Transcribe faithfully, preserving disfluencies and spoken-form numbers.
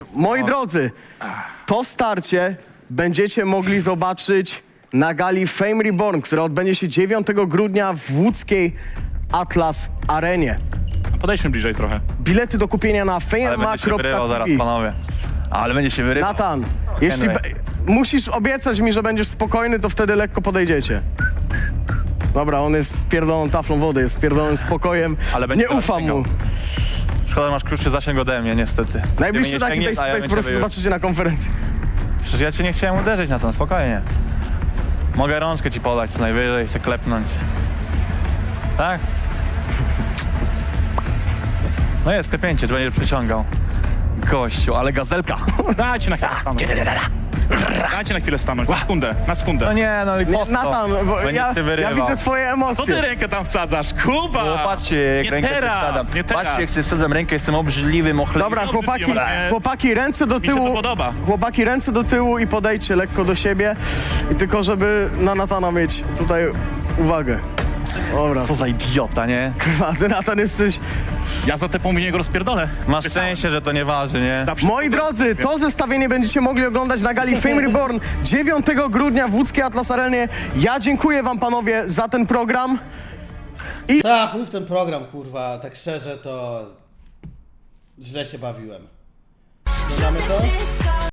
Moi drodzy, to starcie będziecie mogli zobaczyć na gali Fame Reborn, która odbędzie się dziewiątego grudnia w łódzkiej Atlas Arenie. Podejdźmy bliżej trochę. Bilety do kupienia na Ale fame będzie się wyrywał zaraz, kropka t v. panowie. Ale będzie się wyrywał. Natan, jeśli Henry. be- musisz obiecać mi, że będziesz spokojny, to wtedy lekko podejdziecie. Dobra, on jest spierdoloną taflą wody, jest spierdolonym spokojem. Ale będzie Nie teraz ufam mu. sięgał. Szkoda, że masz krótszy zasięg ode mnie, niestety. Najbliższy Gdyby nie taki sięgnie, face to to ja face bym po prostu ciebie już- zobaczycie na konferencji. Przecież ja cię nie chciałem uderzyć na to, spokojnie. Mogę rączkę ci podać co najwyżej, się klepnąć. Tak? No jest klepnięcie, że będziesz przyciągał. Gościu, ale gazelka. Dajcie na chwilę stanąć. Dajcie na chwilę stanąć. Na sekundę, na sekundę. No nie, no i po co? Natan, bo Będziesz ja, się ja wyrywał. widzę twoje Co emocje. ty rękę tam wsadzasz? Kuba! O, patrzcie, jak Nie rękę sobie teraz, wsadzam. nie teraz. Patrzcie, jak sobie wsadzam rękę, jestem obrzydliwym, ochlebnym. Dobra, Nie chłopaki, odwróciłem się. chłopaki, ręce do Mi się tyłu. to podoba. Chłopaki, ręce do tyłu i podejdźcie lekko do siebie. I tylko, żeby na Natana mieć tutaj uwagę. Dobra. Co za idiota, nie? Kurwa, ty Natan jesteś... Ja za te pół go rozpierdolę. Masz Pisałem. szczęście, że to nie waży, nie? Zawsze Moi to drodzy, robię. to zestawienie będziecie mogli oglądać na gali Fame Reborn dziewiątego grudnia w łódzkiej Atlas Arenie. Ja dziękuję wam, panowie, za ten program. Tak, mów ten program, kurwa, tak szczerze to źle się bawiłem. Dodamy to?